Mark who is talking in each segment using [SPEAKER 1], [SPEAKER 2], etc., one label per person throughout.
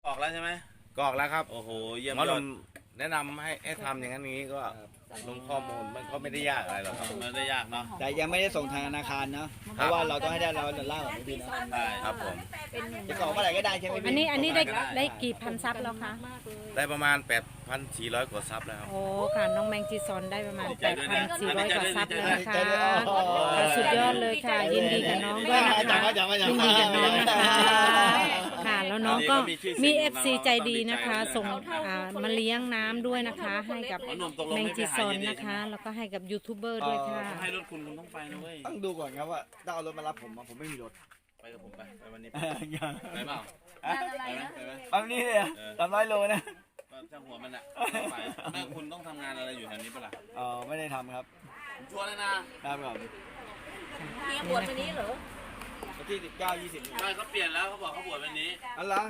[SPEAKER 1] อกแล้วใช่ไหม
[SPEAKER 2] กรอกแล้วครับ
[SPEAKER 1] โอ้โหเยี่ยม
[SPEAKER 2] หมอย
[SPEAKER 1] อ
[SPEAKER 2] ห
[SPEAKER 1] ด
[SPEAKER 2] นุ่มแนะนำให้ทำอย่างนั้นนี้ก็ลงข้อมูลมันก็ไม่ได้ยากอะไรหรอกครับ
[SPEAKER 1] มันได้ยากเนาะ
[SPEAKER 3] แต่ยังไม่ได้ส่งทางธนาคารเนาะเพราะว่าเราต้องให้ได้$1ก่อนพี่นะ
[SPEAKER 1] ใช่
[SPEAKER 2] ครับผม
[SPEAKER 3] จะกรอกเมื่อไหร่ก็ได้ใช่ไหมพี่
[SPEAKER 4] อันนี้ได้กี่พันซับแล้วคะ
[SPEAKER 2] ได้ประมาณ 8,400 กว่าซับแล้วครับ
[SPEAKER 4] โอ้ค่ะน้องแมงจีซอนได้ประมาณ 8,400 กว่าซับแล้วนะคะค่ะสุดยอดเลยค่ะ ยินดีกับน้องด้วยนะคะยินดีกับน้องนะคะค่ะแล้วน้องก็มี FC ใจดีนะคะ ส่งมาเลี้ยงน้ำด้วยนะคะ ให้กับแมงจีซอนนะคะ แล้วก็ให้กับยูทูบเบอร์ด้วยค่ะ
[SPEAKER 1] ให้รถคุณต้องไปนะเว้ย
[SPEAKER 3] ต้องดูก่อนครับว่าต้องเอารถมารับผมไม่มีรถ
[SPEAKER 1] ไปกับผมไปวันนี้ไปเปล่าไปไหม
[SPEAKER 3] ปั๊มนี้เลย300 โลนะ
[SPEAKER 1] ช่างหัวมันอะไปแม่คุณต้องทำงานอะไรอยู่แถวนี้ปะล่ะ
[SPEAKER 3] ไม่ได้ทำครับ
[SPEAKER 1] ผมชวนเลยนะครับ
[SPEAKER 3] ผม
[SPEAKER 5] มีบวชวันนี้เหรอ
[SPEAKER 3] วันที่19-20
[SPEAKER 1] ไม่เขาเปลี่ยนแล้วเขาบอกเขาบวชวันนี้
[SPEAKER 3] อันละ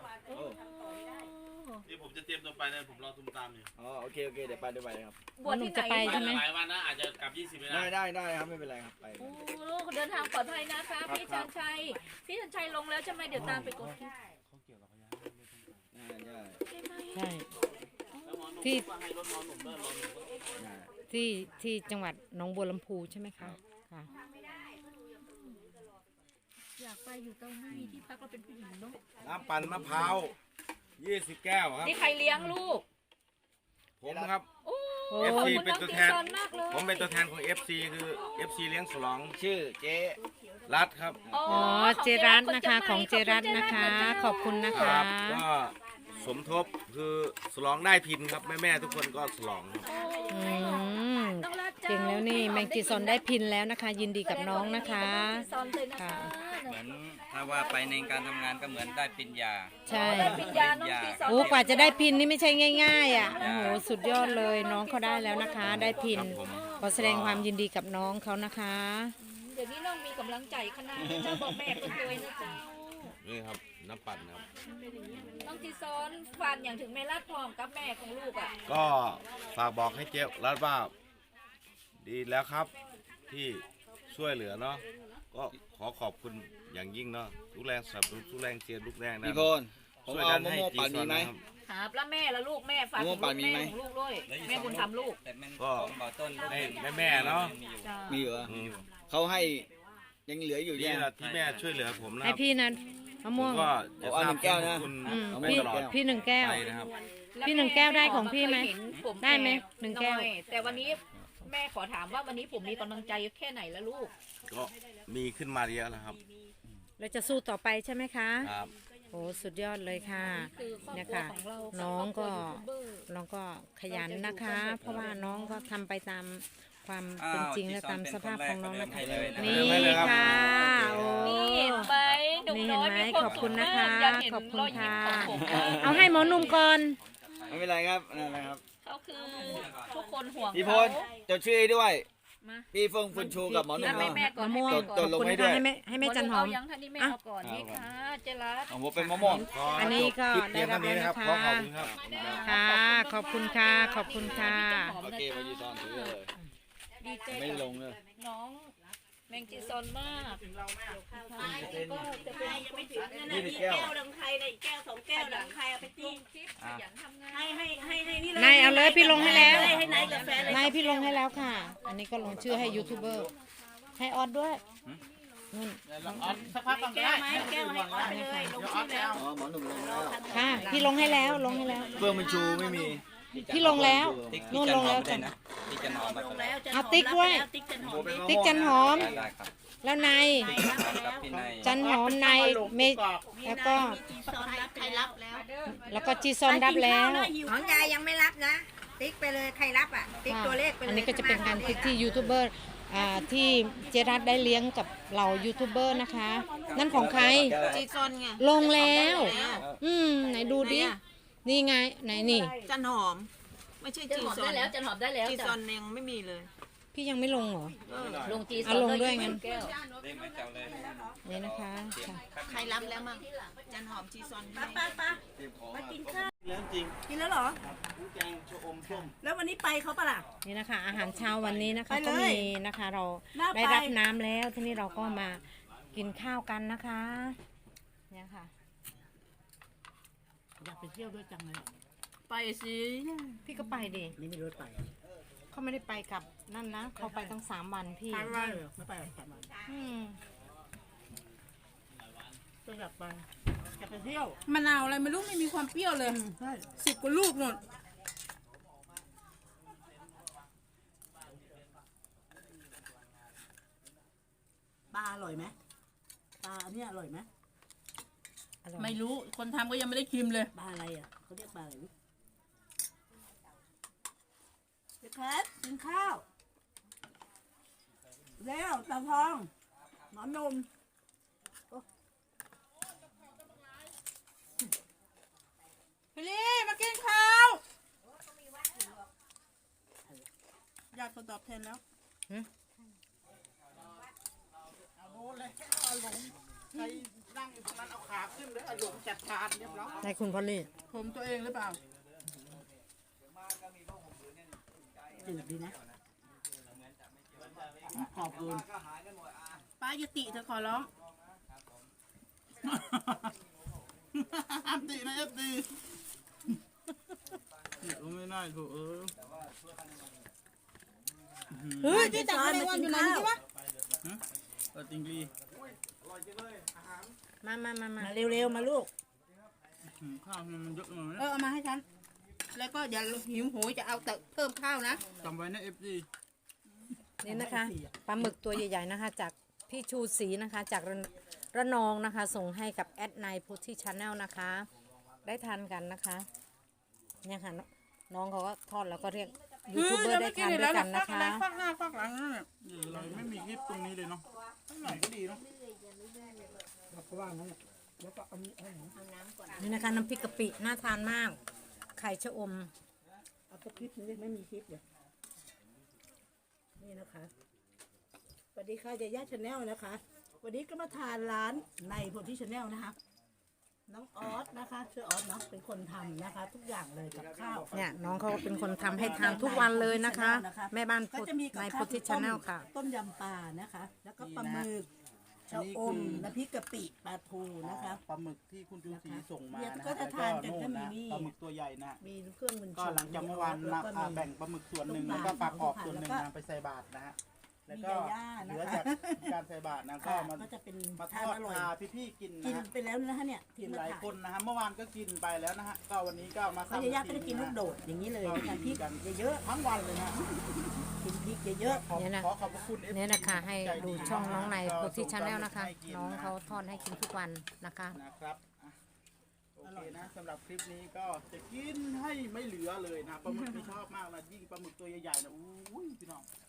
[SPEAKER 1] ที่ผมจะเตรียมตัวไปเนี่ยผมรอตุ้มตามอยู่
[SPEAKER 3] โอเคเดี๋ยวไปด้วยไปครับ
[SPEAKER 5] บวชที่ไหน
[SPEAKER 4] จะไปใช่ไหม
[SPEAKER 1] หลายวันนะอาจจะกลับ20ไปนะ
[SPEAKER 3] ได้ครับไม่เป็นไรครับไป
[SPEAKER 5] โอ้ลูกเดินทางปลอดภัยนะคะพี่ชันชัยลงแล้วใช่ไหมเดี๋ยวตามไปกดคลิป
[SPEAKER 4] ใช่ที่
[SPEAKER 1] ให้รถนอนหนุ่มเดินรอหนุ่ม
[SPEAKER 4] ที่จังหวัดหนองบัวลำพูใช่ไหมคะค่ะ
[SPEAKER 5] อยากไปอยู่ตรงไม่มีที่พักเราเป็นผู้หญิงเนาะ
[SPEAKER 2] น้ำปั่นมะพร้าว20 แก้วครับ
[SPEAKER 5] นี่ใครเลี้ยงลูก
[SPEAKER 2] ผมครับ
[SPEAKER 5] โอ้
[SPEAKER 2] FC
[SPEAKER 5] คุณ
[SPEAKER 2] เป็น
[SPEAKER 5] น้อง
[SPEAKER 2] ตัว
[SPEAKER 5] ตี
[SPEAKER 2] แทน
[SPEAKER 5] ซอนมากเลย
[SPEAKER 2] ผมเป็นตัวแทนของ FC คือ FC เลี้ยงฉลอง
[SPEAKER 3] ชื่อเจ๊
[SPEAKER 2] รัฐครับ
[SPEAKER 5] อ๋อ
[SPEAKER 4] อ๋อเจรัตนะคะของเจรัตนะคะ ขอบคุณนะ
[SPEAKER 2] ค
[SPEAKER 4] คะ
[SPEAKER 2] รับก็สมทบคือฉลองได้พินครับแม่ๆทุกคนก็ฉลองครับ
[SPEAKER 4] อืมเก่งแล้วนี่แมงจีซอนได้พินแล้วนะคะ ยินดีกับน้องนะคะ
[SPEAKER 5] ตีซอนเลยนะคะ
[SPEAKER 6] เหมือนถ้าว่าไปในการทำงานก็เหมือนได้ปริญญา
[SPEAKER 4] ใช่
[SPEAKER 5] ได้ปิญญาน้องตีซอน
[SPEAKER 4] โอ้กว่าจะได้พินนี่ไม่ใช่ง่ายๆอ่ะโอ้โหสุดยอดเลยน้องเขาได้แล้วนะคะ ได้พิน
[SPEAKER 2] ครับผม
[SPEAKER 4] ขอแสดงความยินดีกับน้องเขานะคะ
[SPEAKER 5] เดี๋ยวนี้น้องมีกำลังใจขนาดนี้เจ้าบอกแม่ก็เคยนะเจ้า
[SPEAKER 2] นี่ครับน้ำปั่นครับ
[SPEAKER 5] น้องตีซอนฝันอย่างถึงแม่รัดพร้อมกับแม่ของลูกอ่ะ
[SPEAKER 2] ก็ฝากบอกให้เจ๊รัฐว่าดีแล้วครับที่ช่วยเหลือเนาะก็ขอขอบคุณอย่างยิ่งเนาะทุกแรงสนับสนุนทุกแรงเชียร์ทุกแรงนะ
[SPEAKER 3] พี่พลผม
[SPEAKER 2] ช่วย
[SPEAKER 3] เอา
[SPEAKER 2] กัน
[SPEAKER 3] มะ
[SPEAKER 2] ให้
[SPEAKER 3] ม่วง
[SPEAKER 2] จี
[SPEAKER 3] ปั่น
[SPEAKER 2] ซ
[SPEAKER 3] มี
[SPEAKER 2] อน
[SPEAKER 3] ไหม
[SPEAKER 2] นะครับ
[SPEAKER 5] ครับแล้วแม่ละลูกแม่ฝากถึง
[SPEAKER 3] มะม่วงปั่นมีไหม
[SPEAKER 5] แม่ของลูกด้วยแม่บุญธรรมลูก
[SPEAKER 6] แต่มัน
[SPEAKER 2] ก็
[SPEAKER 6] ของบ่อต้น
[SPEAKER 2] ให้แม่ๆเนาะ
[SPEAKER 5] จ้า
[SPEAKER 3] มีเหรอ
[SPEAKER 2] อืม
[SPEAKER 3] เขาให้ยังเหลืออยู่
[SPEAKER 2] นี่
[SPEAKER 3] เนี่ย
[SPEAKER 2] แหละที่แม่ช่วยเหลือผมนะค
[SPEAKER 4] ให้
[SPEAKER 2] รับ
[SPEAKER 4] พี่นะมะ
[SPEAKER 2] ผ
[SPEAKER 4] ม่ว
[SPEAKER 2] ม
[SPEAKER 4] ง
[SPEAKER 2] ก็จะ
[SPEAKER 3] เอา
[SPEAKER 2] ทราบ
[SPEAKER 3] 1 แก้วนะ
[SPEAKER 2] คุณ
[SPEAKER 4] อืม
[SPEAKER 3] เอาไม่
[SPEAKER 4] พี่
[SPEAKER 3] ตลอด
[SPEAKER 4] พี่1 แก้ว
[SPEAKER 2] ไปนะครับ
[SPEAKER 4] พี่1 แก้วได้ของพี่ไหมได้ไหม1 แก้ว
[SPEAKER 5] น้อยแต่วันนี้แม่ขอถามว่าวันนี้ผมมีกำลังใจแค่ไหนแล้วลูก
[SPEAKER 2] ก็มีขึ้นมาเยอะแล้วครับ
[SPEAKER 4] เราจะสู้ต่อไปใช่ไหมคะ
[SPEAKER 2] ครับ
[SPEAKER 4] โอ้สุดยอดเลยค่ะ
[SPEAKER 5] คือครอบ
[SPEAKER 4] เนี่ย
[SPEAKER 5] ครัว
[SPEAKER 4] ค่ะ
[SPEAKER 5] ของเรา
[SPEAKER 4] น้องก็
[SPEAKER 5] ครอบครัวยูทูบเบอร์
[SPEAKER 4] น้องก็ขยันนะคะ เพราะว่าน้องก็ทำไปตามความเป็นจริงและตามสภาพของน้องนะคะนี่ค่ะโอ้
[SPEAKER 5] นี่เห็นไหมหนุ่มน้อย
[SPEAKER 4] นี่
[SPEAKER 5] มี
[SPEAKER 4] เห็นไหม
[SPEAKER 5] ความ
[SPEAKER 4] ขอบคุ
[SPEAKER 5] สุข
[SPEAKER 4] ณนะ
[SPEAKER 5] มาก
[SPEAKER 4] คะ
[SPEAKER 5] อยากเห็น
[SPEAKER 4] ขอบคุณ
[SPEAKER 5] รอยยิ้ม
[SPEAKER 4] ค่ะ
[SPEAKER 5] ของผม
[SPEAKER 4] เอาให้หมอหนุ่มก่อน
[SPEAKER 3] ไม่เป็นไรครับนั่นแหละครับ
[SPEAKER 5] เขาคือทุกคนห่วง
[SPEAKER 3] พี่พ
[SPEAKER 5] เขา
[SPEAKER 3] ลจดชื่อให้ด้วย
[SPEAKER 5] มา
[SPEAKER 3] พี่เฟิงคุณชูกับหมอหนุ่
[SPEAKER 5] แล้ว
[SPEAKER 3] ม
[SPEAKER 5] ให้
[SPEAKER 3] เนาะ
[SPEAKER 5] แม่ก่อน
[SPEAKER 4] มะม่วง
[SPEAKER 5] ให้
[SPEAKER 3] ต
[SPEAKER 5] แม่
[SPEAKER 3] ก
[SPEAKER 5] ก่อน
[SPEAKER 3] ลง
[SPEAKER 4] คุณนะคะให้แม่จันหอม
[SPEAKER 5] เอายังท่านนี้แม่เอาก่อนนี่ค่ะเจรัส
[SPEAKER 3] ของผมเป็นมะม่วง
[SPEAKER 4] อันนี้ก็
[SPEAKER 2] คลิป
[SPEAKER 4] ได้
[SPEAKER 2] เพียง
[SPEAKER 4] รั
[SPEAKER 2] เท่า
[SPEAKER 4] บ
[SPEAKER 2] นี้
[SPEAKER 4] แล้ว
[SPEAKER 2] นะค
[SPEAKER 4] นะ
[SPEAKER 2] รับขอ
[SPEAKER 4] คะ
[SPEAKER 2] ขอบคุณครับ
[SPEAKER 4] ค่ะขอบคุณค่ะ ขอบคุณค่ะ
[SPEAKER 3] โอเคมาจีซอนถือเลย
[SPEAKER 5] ดีใจ
[SPEAKER 3] ไม่ได้ล
[SPEAKER 5] กับ
[SPEAKER 3] งเลย
[SPEAKER 5] น้องแมงจีซอนมากก็จะเป็นคนที่
[SPEAKER 3] 20 แก้ว
[SPEAKER 7] หลังใครนะอีกแก้ว2 แก้วหลังใครเอาไปตี
[SPEAKER 5] คลิปขยันทำงาน
[SPEAKER 7] ให้นี่
[SPEAKER 4] นายเอาเลยพี่ลงให้แล้ว
[SPEAKER 7] ให้นายกาแฟเลย
[SPEAKER 4] นายพี่ลงให้แล้วค่ะ อันนี้ก็ลงชื่อให้ยูทูบเบอร์ ให้ออดด้วยนู่น
[SPEAKER 7] แก้วไหมแก้วให้ออกไปเลยลงชื่อแล้ว
[SPEAKER 3] อ๋อหมอหนุ่มลงแล้ว
[SPEAKER 4] ค่ะ พี่ลงให้แล้ว ลงให้แล้ว
[SPEAKER 3] เฟิงมันชูไม่มี
[SPEAKER 4] พี่ลงแล้ว
[SPEAKER 6] ติ๊ก
[SPEAKER 4] นู่น
[SPEAKER 6] จั
[SPEAKER 4] ล
[SPEAKER 6] น
[SPEAKER 4] ง
[SPEAKER 6] หอ
[SPEAKER 4] แล้
[SPEAKER 6] ม
[SPEAKER 4] ว
[SPEAKER 6] ไม่ได้
[SPEAKER 4] จ้ะ
[SPEAKER 6] นะติ๊กจันหอมมา
[SPEAKER 7] ลงแล้วจะ
[SPEAKER 4] เอาติ๊กด้วย
[SPEAKER 7] ติ๊กจันหอม
[SPEAKER 4] ติ๊กจันหอม
[SPEAKER 6] ได้ครับ
[SPEAKER 4] แล้วนาย
[SPEAKER 6] กับพี่นาย
[SPEAKER 4] จันหอมนายเมแล้วก็
[SPEAKER 7] จีซอนรับใครรับแล้ว
[SPEAKER 4] แล้วก็จีซอนรับแล้ว
[SPEAKER 7] ของยายยังไม่รับนะ ติ๊กไปเลยใครรับอ่ะติ๊กตัวเลขไปเลย
[SPEAKER 4] อันนี้ก็จะเป็นการติ๊กที่ยูทูบเบอร์ที่เจรัตได้เลี้ยงกับเหล่ายูทูบเบอร์นะคะ นั่นของใคร
[SPEAKER 7] จีซอนไง
[SPEAKER 4] ลงแล้ว ไหนดูดิ นี่ไง ไหนนี่
[SPEAKER 8] จันหอม ไม่ใช่
[SPEAKER 5] จัน
[SPEAKER 8] จี
[SPEAKER 5] หอม
[SPEAKER 8] ซอ
[SPEAKER 5] ได้
[SPEAKER 8] น
[SPEAKER 5] แล้วจันหอมได้แล้ว
[SPEAKER 8] จีซ
[SPEAKER 5] จ้ะ
[SPEAKER 8] อนยังไม่มีเลย
[SPEAKER 4] พี่ยังไม่ลงเหรอ
[SPEAKER 5] ลงจีซอน
[SPEAKER 4] เอาลงด้วยงั้น
[SPEAKER 5] แก้ว
[SPEAKER 6] ได้ไหมเจ้าเลย
[SPEAKER 4] นี่นะคะค่ะ
[SPEAKER 8] ใครรับแล้วมั่งจันหอมจีซอน
[SPEAKER 7] ป้ามากินข้าว
[SPEAKER 3] เรื่องจริง
[SPEAKER 7] กินแล้วเหรอ
[SPEAKER 3] แกงชะอมส้ม
[SPEAKER 7] แล้ววันนี้ไปเขาปะล่ะ
[SPEAKER 4] นี่นะคะ อาหารเช้าวันนี้นะคะ
[SPEAKER 7] ไปเลย
[SPEAKER 4] ก็มีนะคะ เรา
[SPEAKER 7] น่าไป
[SPEAKER 4] ได้รับน้ำแล้ว ทีนี้เราก็มากินข้าวกันนะคะ เนี่ยค่ะ
[SPEAKER 5] ไปเที่ยวด้วยจังเลยไปสิ
[SPEAKER 4] พี่ก็ไปดิ
[SPEAKER 5] นี่ไม่รู้ไป
[SPEAKER 4] เขาไม่ได้ไปกับนั่นนะเขาไปตั้ง3 วันพี่
[SPEAKER 5] ไปไม่ไปสามวัน
[SPEAKER 4] อืม
[SPEAKER 5] ก็อยากไปอยากไปเที่ยว
[SPEAKER 9] มะนาวอะไรไม่รู้ไม่มีความเปรี้ยวเลย
[SPEAKER 5] ใช่
[SPEAKER 9] 10 กว่าลูกนู่น
[SPEAKER 5] ปลาอร่อยไหมปลาอันนี้อร่อยไหม
[SPEAKER 4] อร่อย
[SPEAKER 9] ไม่รู้คนทำก็ยังไม่ได้ชิมเลย
[SPEAKER 5] ปลาอะไรอ่ะเขาเรียกปลาอะไรวิเด็กแคทกินข้าวแล้วตาทองหนอนนม
[SPEAKER 9] พี่ลี่มากินข้าว ญาติคนตอบแทนแล้ว
[SPEAKER 4] ในคุณพอลลี่
[SPEAKER 9] ผมตัวเองหรือเปล่า
[SPEAKER 5] จืดดีนะขอบคุณ
[SPEAKER 9] ป้ายุติเธอขอร้องอัตินะอัติเดี๋ยวไม่ได้ถูกเฮ้ยที่ตักอะไรวันอยู่ไหนนี่วะจริงดี
[SPEAKER 4] มา
[SPEAKER 5] มาเร็วๆมาลูก
[SPEAKER 9] ข้าวมันเยอะเลยเอามาให้ฉัน แล้วก็อย่าหิวโหยจะเอาแต่เพิ่มข้าวนะจำไว้นะFD
[SPEAKER 4] นี่นะคะปลาหมึกตัวใหญ่ๆนะคะ จากพี่ชูศรีนะคะ จากระนองนะคะ ส่งให้กับแอดไนพุทธิชาแนลนะคะ ได้ทานกันนะคะเนี่ยค่ะน้องเขาก็ทอดแล้วก็เรียกยูทูบเบอร์ได้ทานด้วยกันนะคะ
[SPEAKER 9] ฟักหน้าฟักหลังนั่นแหละเราไม่มีคลิปตรงนี้เลยเนาะข้างหลังก็ดีเนาะ
[SPEAKER 4] นี่นะคะน้ำพริกกะปิน่าทานมาก ไข่ชะอม
[SPEAKER 5] เอาสักคลิปนึงไม่มีคลิปเลยนี่นะคะสวัสดีค่ะยาย่าชาแนลนะคะ วันนี้ก็มาทานร้านในโพธิชาแนลนะคะ น้องออสนะคะชื่อออสเนาะเป็นคนทำนะคะ ทุกอย่างเลยกับข้าว
[SPEAKER 4] เนี่ยน้องเขาก็เป็นคนทำให้ทานทุกวันเลยนะคะ แม่บ้าน
[SPEAKER 5] ก็จะมีกับ
[SPEAKER 4] ใน
[SPEAKER 5] ข้า
[SPEAKER 4] พุ
[SPEAKER 5] ว
[SPEAKER 4] ทธิชาแนลค่ะ
[SPEAKER 5] ต้มยำปลานะคะ แล้วก็ปลาหมึกชะอมน้ำพริกกะปิปลาทูนะคะ
[SPEAKER 10] ปลาหมึกที่คุณจุนศรีส่งมา
[SPEAKER 5] เนี่ย
[SPEAKER 10] นะ
[SPEAKER 5] ก็จะทานกันก็มี
[SPEAKER 10] นะ
[SPEAKER 5] นี่
[SPEAKER 10] ปลาหมึกตัวใหญ่นะ
[SPEAKER 5] มีเครื่องมือ
[SPEAKER 10] ก็หลังจากเมื่อวาน
[SPEAKER 5] แล้วก็มี
[SPEAKER 10] แบ่งปลาหมึกส่วนหนึ่ง
[SPEAKER 5] ลู
[SPEAKER 10] แล้ว
[SPEAKER 5] กปลา
[SPEAKER 10] ก็ปลากรอบส่วนหนึ่ง
[SPEAKER 5] แล้วก็
[SPEAKER 10] นะไปใส่บาตรนะฮะแล้ว
[SPEAKER 5] มี
[SPEAKER 10] ก็
[SPEAKER 5] ยาย่า
[SPEAKER 10] เห
[SPEAKER 5] นะ
[SPEAKER 10] ลือ
[SPEAKER 5] คะ
[SPEAKER 10] จากการใส่บาตรนะก็
[SPEAKER 5] ค่ะ
[SPEAKER 10] มา
[SPEAKER 5] ก็จะเป็น
[SPEAKER 10] มาท
[SPEAKER 5] ทาน
[SPEAKER 10] อด
[SPEAKER 5] อร่อย
[SPEAKER 10] พาพี่ๆกิน
[SPEAKER 5] กิน
[SPEAKER 10] นะฮะ
[SPEAKER 5] ไปแล้วนะคะเนี่ย
[SPEAKER 10] กิน
[SPEAKER 5] มา
[SPEAKER 10] หลาย
[SPEAKER 5] ถ่
[SPEAKER 10] คนนะฮะเมื่อวานก็กินไปแล้วนะฮะก็วันนี้ก็มา
[SPEAKER 5] เขายาย่าก็จะกินลูกโดดอย่างนี้เลยนะคะพริกเยอะๆทั้งวันเลยนะกินพริกเยอะ
[SPEAKER 4] เนี่ยนะ
[SPEAKER 10] ขอขอบพระคุณ FC
[SPEAKER 4] เนี่ยนะคะให้ดูช่องน้องในพุทธิชาแนลนะคะ
[SPEAKER 10] ให้กิ
[SPEAKER 4] น้องเขาทอดให้กินทุกวันนะคะ
[SPEAKER 10] นะครับอ่ะโอเคนะสำหรับคลิปนี้ก็จะกินให้ไม่เหลือเลยนะปลาหมึกนี่ชอบมากนะยิ่งปลาหมึกตัวใหญ่ๆนะอู้ยพี่น้อง